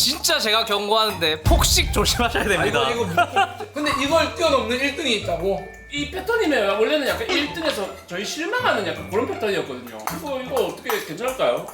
진짜 제가 경고하는데 폭식 조심하셔야 됩니다. 근데 이걸 뛰어넘는 1등이 있다고? 이 패턴이면 원래는 약간 1등에서 저희 실망하는 약간 그런 패턴이었거든요. 이거 어떻게 괜찮을까요?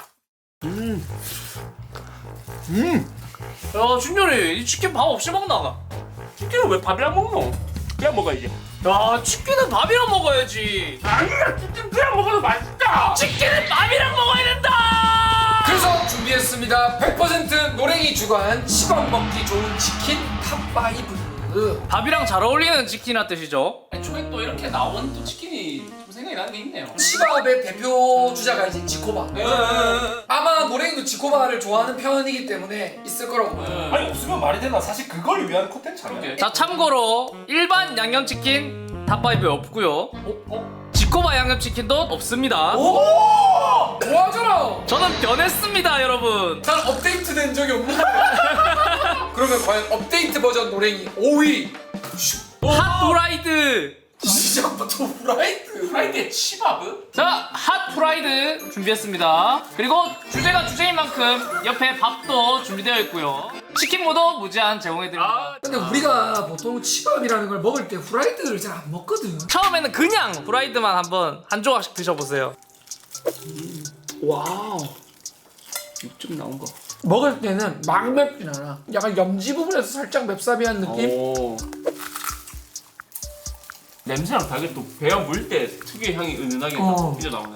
야 준열이 이 치킨 밥 없이 먹나? 치킨을 왜 밥이랑 먹노? 그냥 먹어야지. 야 치킨은 밥이랑 먹어야지. 아니야, 치킨 그냥 먹어도 맛있다. 치킨은 밥이랑 먹어야 된다. 그래서 준비했습니다. 100% 노랭이 주관 치밥 먹기 좋은 치킨 탑5. 밥이랑 잘 어울리는 치킨이란 뜻이죠. 애초에 또 이렇게 나온 또 치킨이 좀 생각이 나는 게 있네요. 치밥의 대표 주자가 이제 지코바. 아마 노랭이도 지코바를 좋아하는 편이기 때문에 있을 거라고 봐요. 아니 없으면 말이 되나? 사실 그걸 위한 콘텐츠 아니야? 그러게. 자 참고로 일반 양념치킨 탑5에 없고요. 지코바 양념치킨도 없습니다. 오! 좋아하잖아. 저는 변했습니다 여러분. 난 업데이트된 적이 없는데. 그러면 과연 업데이트 버전 노랭이 5위. 핫프라이드. 시작부터 후라이드. 프라이드에 치밥은? 자 핫프라이드 준비했습니다. 그리고 주제가 주제인 만큼 옆에 밥도 준비되어 있고요. 치킨무도 무제한 제공해드립니다. 근데 우리가 보통 치밥이라는 걸 먹을 때 후라이드를 잘 안 먹거든. 처음에는 그냥 프라이드만 한번 한 조각씩 드셔보세요. 와우. 육즙 나온 거. 먹을 때는 막 맵진 않아. 약간 염지 부분에서 살짝 맵싸비한 느낌? 오. 냄새랑 다르게 또 배가 물 때 특유의 향이 은은하게 어. 삐져 나오네.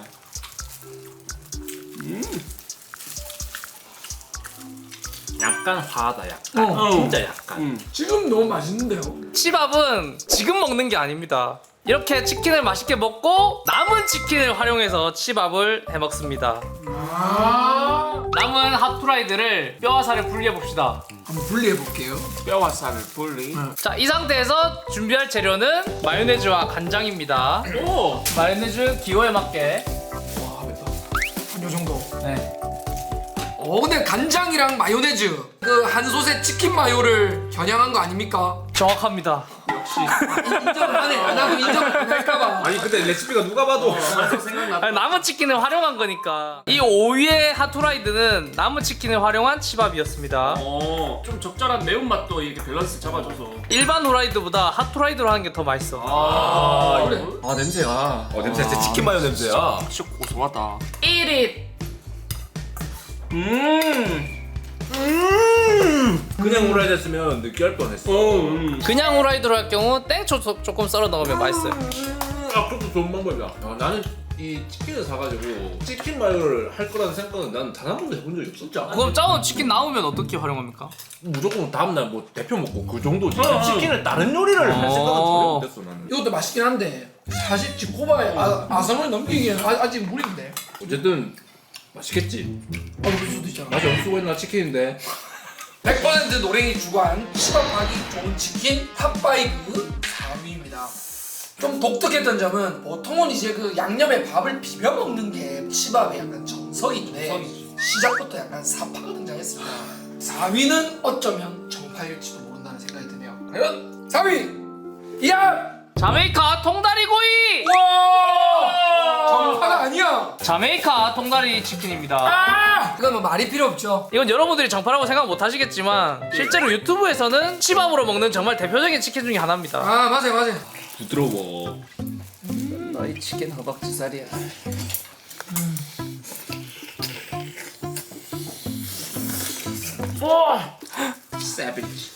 약간 화하다 약간. 어. 진짜 약간. 지금 너무 맛있는데요? 치밥은 지금 먹는 게 아닙니다. 이렇게 치킨을 맛있게 먹고 남은 치킨을 활용해서 치밥을 해먹습니다. 남은 핫프라이드를 뼈와 살을 분리해봅시다. 한번 분리해볼게요. 뼈와 살을 분리. 자, 이 상태에서 준비할 재료는 마요네즈와 간장입니다. 오. 마요네즈 기호에 맞게. 와 맵다. 한 요 정도. 네. 근데 간장이랑 마요네즈 그 한솥에 치킨 마요를 겨냥한 거 아닙니까? 정확합니다. 인정을 안 해. 안 하고 인정을 안 할까봐. 아니 근데 레시피가 누가 봐도 아니, 남은 치킨을 활용한 거니까. 이 5위의 핫프라이드는 남은 치킨을 활용한 치밥이었습니다. 좀 적절한 매운맛도 이렇게 밸런스 잡아줘서. 일반 후라이드보다 핫프라이드로 하는 게 더 맛있어. 그래. 아 냄새가. 냄새 진짜 치킨 마요 냄새야. 진짜 고소하다. 1위. 그냥 후라이드 했으면 느끼할 뻔했어. 그냥 후라이드로 할 경우 땡초 조금 썰어 넣으면 맛있어요. 아 그것도 좋은 방법이야. 나는 이 치킨을 사가지고 치킨 마요를 할 거라는 생각은 난 단 한 번도 해본 적이 없어. 진짜. 그럼 짜온 치킨 나오면 어떻게 활용합니까? 무조건 다음날 뭐 대표 먹고 그 정도지. 치킨을 다른 요리를 할 생각은 전혀 못했어 나는. 이것도 맛있긴 한데 사실 지코바의 아성을 넘기기엔 아직 무리인데. 어쨌든 맛있겠지. 그럴 수도 있잖아. 맛이 없어 보이나 치킨인데. 100% 노랭이 주관 치밥하기 좋은 치킨 탑5 4위입니다. 좀 독특했던 점은 보통은 이제 그 양념에 밥을 비벼 먹는 게 치밥의 약간 정석인데 시작부터 약간 사파가 등장했습니다. 4위는 어쩌면 정파일지도 모른다는 생각이 드네요. 과연 4위 이야! 자메이카 통다리구이! 와! 정파가 아니야. 자메이카 통다리 치킨입니다. 이건 뭐 말이 필요 없죠. 이건 여러분들이 정파라고 생각 못 하시겠지만 실제로 유튜브에서는 치밥으로 먹는 정말 대표적인 치킨 중에 하나입니다. 맞아요. 부드러워. 너희 치킨 허벅지살이야. 세비지.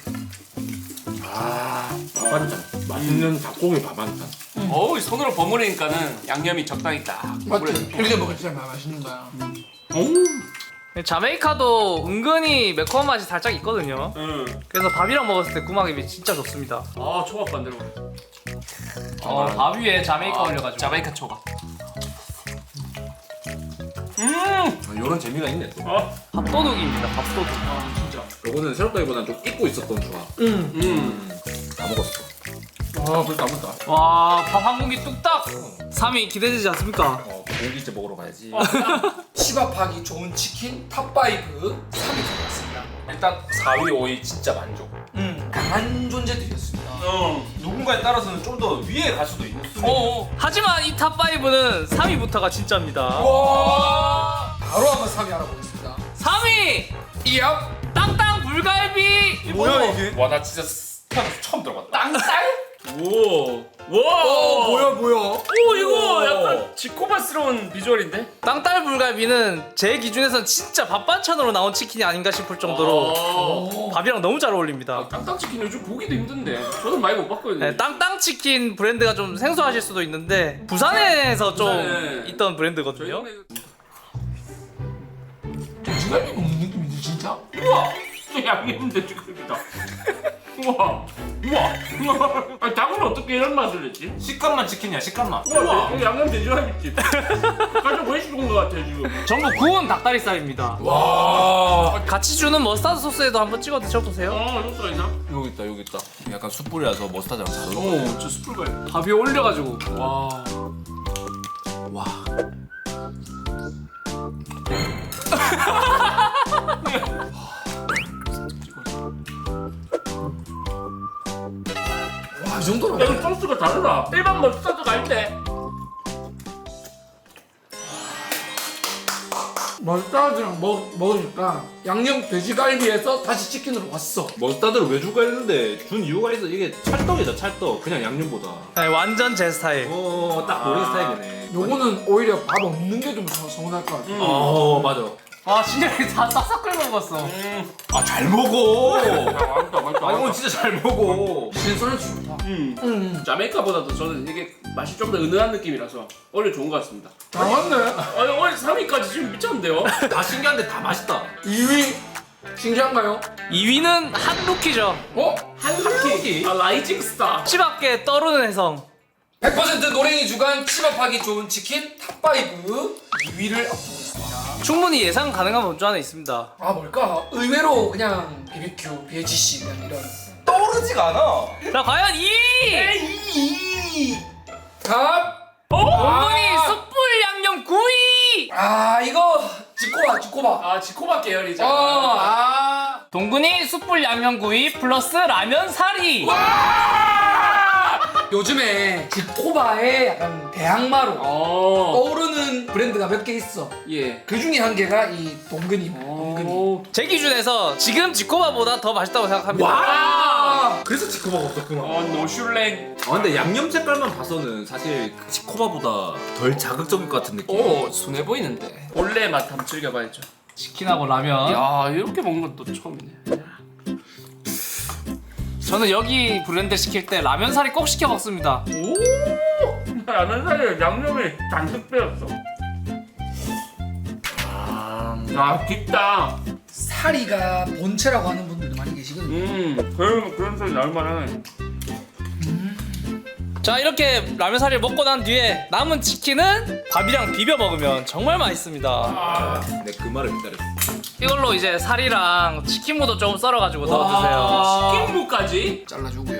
밥반찬. 맛있는 닭고기 밥반찬. 어우 손으로 버무리니까는 양념이 적당히 딱. 맞지? 이렇게 먹으면 진짜 맛있는 거야. 자메이카도 은근히 매콤한 맛이 살짝 있거든요. 그래서 밥이랑 먹었을 때 구막입이 진짜 좋습니다. 아 초밥 반대로. 밥 위에 자메이카 올려가지고. 자메이카 초밥. 이런 재미가 있네 또. 밥도둑입니다. 밥도둑. 진짜. 요거는 새롭다기보다는 좀 잊고 있었던 조합. 다 먹었어. 벌써 다 먹었다. 와, 밥 한 공기 뚝딱. 3위 기대되지 않습니까? 고기째 먹으러 가야지. 치밥하기 좋은 치킨 탑5 3위 들어갔습니다. 일단 4위, 5위 진짜 만족. 강한 존재들이었습니다. 누군가에 따라서는 좀 더 위에 갈 수도 있는. 하지만 이 탑5는 3위부터가 진짜입니다. 와! 바로 한번 3위 알아보겠습니다. 3위! 이야. 땅땅 불갈비. 뭐야 이게? 와 나 진짜 태어나서 처음 들어봤다. 땅딸? 오. 와. 뭐야. 오 이거 약간 지코바스러운 비주얼인데? 땅딸 불갈비는 제 기준에선 진짜 밥 반찬으로 나온 치킨이 아닌가 싶을 정도로 밥이랑 너무 잘 어울립니다. 땅땅 치킨 요즘 보기도 힘든데 저는 많이 못 봤거든요. 네, 땅땅 치킨 브랜드가 좀 생소하실 수도 있는데 부산에서 좀 부산에 있던 저희 브랜드거든요. 동네 돼지갈비 먹는 느낌인데 진짜? 우와! 진짜 양념 돼지갈비다. 우와! 우와! 아니 닭은 어떻게 이런 맛을 냈지? 식감만 치킨이야 식감만. 우와! 이거 양념 돼지갈비집. 가장 왜 죽은 것 같아 지금. 전부 구운 닭다리살입니다. 와. 같이 주는 머스타드 소스에도 한번 찍어 드셔보세요. 소스가 있나? 여기 있다. 약간 숯불이라서 머스타드랑 잘 어울려. 오, 저 숯불 봐. 밥 위에 올려가지고 와. 와. 와, 이 정도로. 야, 이 소스가 다르다. 일반 머스타드가 아닌데. 머스타드랑 먹으니까 양념 돼지갈비에서 다시 치킨으로 왔어. 머스타드를 왜 줄까 했는데 준 이유가 있어. 이게 찰떡이다 찰떡. 그냥 양념보다. 네, 완전 제 스타일. 딱 우리 스타일이네. 요거는 오히려 밥 없는 게 좀 서운할 것 같아. 맞아. 아 진짜 다 싹싹 끓여 먹었어. 아 잘 먹어. 맛있다. 아 이건 진짜 잘 먹어. 신선해 좋다. 자메이카보다도 저는 이게 맛이 좀 더 은은한 느낌이라서 오히려 좋은 것 같습니다. 다 왔네. 아니 오늘 3위까지 지금 미쳤는데요? 다 신기한데 다 맛있다. 2위 신기한가요? 2위는 한루키죠. 어? 한라키. 라이징 스타. 치밖에 떠오르는 해성. 100% 노랭이 주간 치밥하기 좋은 치킨 탑5 2위를 앞두고 있습니다. 충분히 예상 가능한 범주 안에 있습니다. 아 뭘까? 의외로 그냥 BBQ, BHC 그냥 이런. 떠오르지가 않아. 자 과연 2위! 탑! 동근이 숯불 양념 구이! 아 이거 지코바. 아 지코바 계열이잖아. 동근이 숯불 양념 구이 플러스 라면 사리. 요즘에 지코바의 약간 대항마로 떠오르는 브랜드가 몇 개 있어. 예. 그 중에 한 개가 이 동근이. 동근이. 제 기준에서 지금 지코바보다 더 맛있다고 생각합니다. 와! 그래서 치코바가 없었구나. 노슐랭. 근데 양념 색깔만 봐서는 사실 치코바보다 덜 자극적일 것 같은 느낌. 오 순해 보이는데. 원래 맛 한번 즐겨봐야죠. 치킨하고 라면. 야 이렇게 먹는 건 또 처음이네. 저는 여기 브랜드 시킬 때 라면 사리 꼭 시켜 먹습니다. 오! 라면 사이에 양념이 잔뜩 빼였어. 야 깊다. 사리가 본체라고 하는 분들도 많이 계시거든요. 그런 소리 나올 만하네. 자 이렇게 라면 사리를 먹고 난 뒤에 남은 치킨은 밥이랑 비벼 먹으면 정말 맛있습니다. 내 그 말을 기다렸어. 이걸로 이제 사리랑 치킨무도 조금 썰어가지고 넣어주세요. 치킨무까지? 잘라주고요.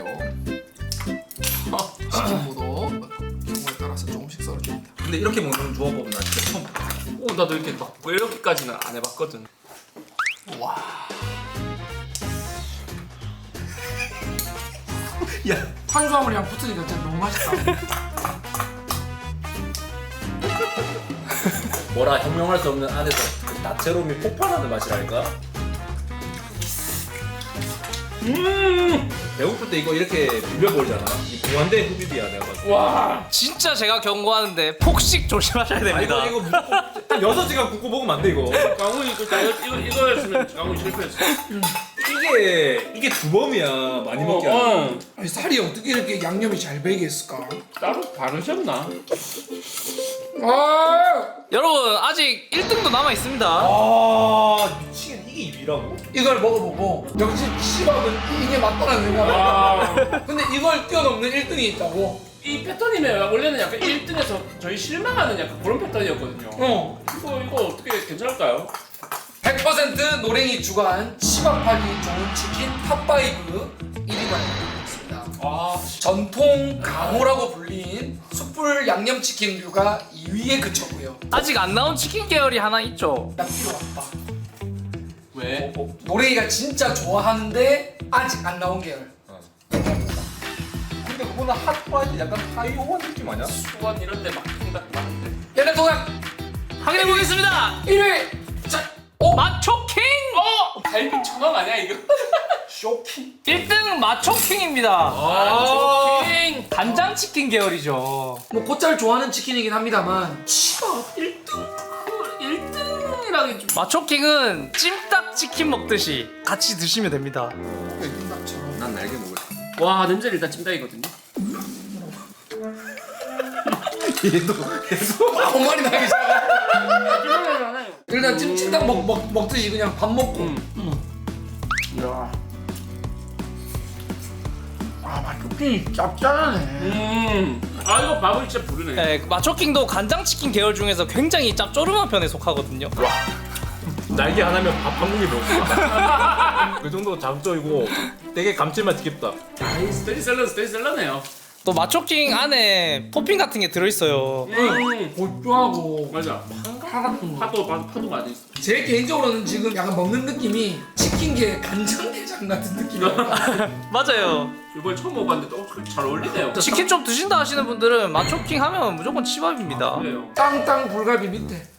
치킨무도 경우에 따라서 조금씩 썰어줍니다. 근데 이렇게 먹는 조합법은 나 진짜 처음 봤어. 오 나도 이렇게 막 이렇게까지는 안 해봤거든. 야, 탄수화물이랑 붙으니까 진짜 너무 맛있다. 뭐라 형용할 수 없는 안에서 그 다채로움이 폭발하는 맛이랄까? 배고플 때 이거 이렇게 비벼버리잖아. 이 무한대 흡입이야 내가 봤을 때. 와. 진짜 제가 경고하는데 폭식 조심하셔야 아, 됩니다. 이거 무조건 6시간 굽고 먹으면 안 돼 이거. 강훈이 이거였으면 강훈이 실패했어. 이게 주범이야 많이 먹게 하는. 아니, 살이 어떻게 이렇게 양념이 잘 배게 했을까? 따로 바르셨나? 아, 여러분 아직 1등도 남아 있습니다. 아 미치겠네. 이게 2위라고? 이걸 먹어보고 역시 치밥은 이게 맞다는 생각을 했다. 근데 이걸 뛰어넘는 1등이 있다고? 이 패턴이면 원래는 약간 1등에서 저희 실망하는 약간 그런 패턴이었거든요. 이거 어떻게 괜찮을까요? 100% 노랭이 주간 치밥하기 좋은 치킨 탑5 1위가 있습니다. 전통 강호라고 불린 숯불 양념치킨류가 2위에 그쳤고요. 아직 안 나온 치킨 계열이 하나 있죠. 나 필요 없다. 왜? 노랭이가 진짜 좋아하는데 아직 안 나온 계열. 근데 그거는 핫바이 약간 하이오한 느낌 아니야? 수원 이런 데막 생각 많은데. 얘네 도약 확인해 보겠습니다. 1위! 자, 마초킹! 갈비 천왕 아니야 이거? 쇼킹. 1등은 마초킹입니다. 마초킹. 간장치킨 계열이죠. 뭐 곧잘 좋아하는 치킨이긴 합니다만 치밥 1등이라기 좀. 마초킹은 찜닭치킨 먹듯이 같이 드시면 됩니다. 찜닭처럼. 난 날개 먹을. 와 냄새는 일단 찜닭이거든요. 아무 말이 나기 시작해. 일단 찜닭 먹듯이 그냥 밥 먹고. 이야. 아 맛있긴 짭짤하네. 아 이거 밥을 진짜 부르네. 네, 마초킹도 간장치킨 계열 중에서 굉장히 짭조름한 편에 속하거든요. 날개 하나면 밥 한 공기 먹었다. 그 정도 장점이고 되게 감칠맛 깊다. 스테디셀러네요. 또 마초킹 안에 토핑 같은 게 들어있어요. 고추하고 맞아. 파 같은 거. 파도 많이 있어. 제 개인적으로는 지금 약간 먹는 느낌이 치킨계 간장게장 같은 느낌이야. 맞아요. 이번에 처음 먹어봤는데 잘 어울리네요. 치킨 좀 드신다 하시는 분들은 마초킹 하면 무조건 치밥입니다. 그래요. 땅땅 불갈비 밑에.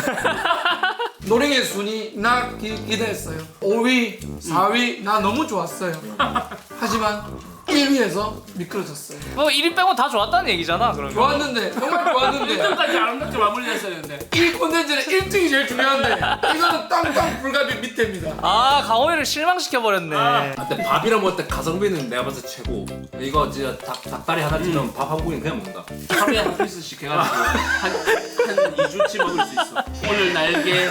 노랭의 순위 나 기대했어요. 5위, 4위 나 너무 좋았어요. 하지만 1위에서 미끄러졌어요. 뭐 1위 빼고 다 좋았다는 얘기잖아. 그러면. 좋았는데 정말 좋았는데 1등까지 아름답게 마무리했어야 되는데. 1 콘텐츠는 1등이 제일 중요한데 이거는 땅땅 불갈비 밑에입니다. 아 강호이를 실망시켜 버렸네. 근데 밥이랑 먹을 때 가성비는 내가 봤을 때 최고. 이거 진짜 닭다리 하나 찌면 밥 한 공기 그냥 먹는다. 하루에 한 피스씩 해가지고 한 2주치 먹을 수 있어. 오늘 날개,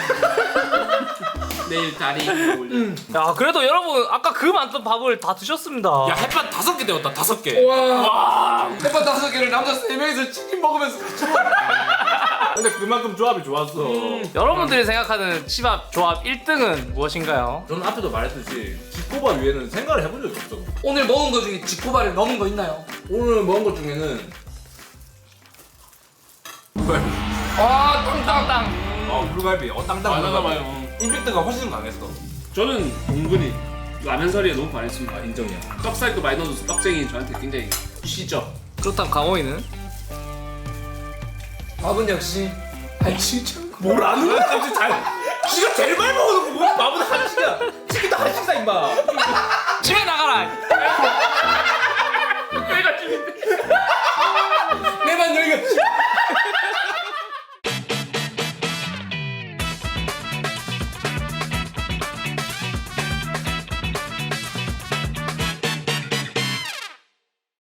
내일 다리. 야 그래도 여러분 아까 그 많던 밥을 다 드셨습니다. 야 햇반 5개 되었다 5개. 와 햇반 5개를 남자 3명이서 치킨 먹으면서 같이 먹어. 근데 그만큼 조합이 좋았어. 여러분들이 생각하는 치밥 조합 1등은 무엇인가요? 저는 앞에도 말했듯이 집고밥 위에는 생각을 해본 적이 없어. 오늘 먹은 거 중에 지코바를 넣은 거 있나요? 오늘 먹은 것 중에는 아 땅땅 땅땅. 불갈비. 땅땅 많아 불갈비. 봐요. 임팩트가 훨씬 강했어. 저는 은근히 라면사리에 너무 반했습니다. 인정이야. 떡살도 많이 넣어줘서 떡쟁이 저한테 굉장히 시죠. 그렇다면 강호이는? 밥은 역시 진짜 뭘 아는 거야 갑자기 잘. 지가 제일 많이 먹어놓고 뭐 밥은 한식이야. 치킨도 한식이다 임마. 집에 나가라. 내가 찜인데.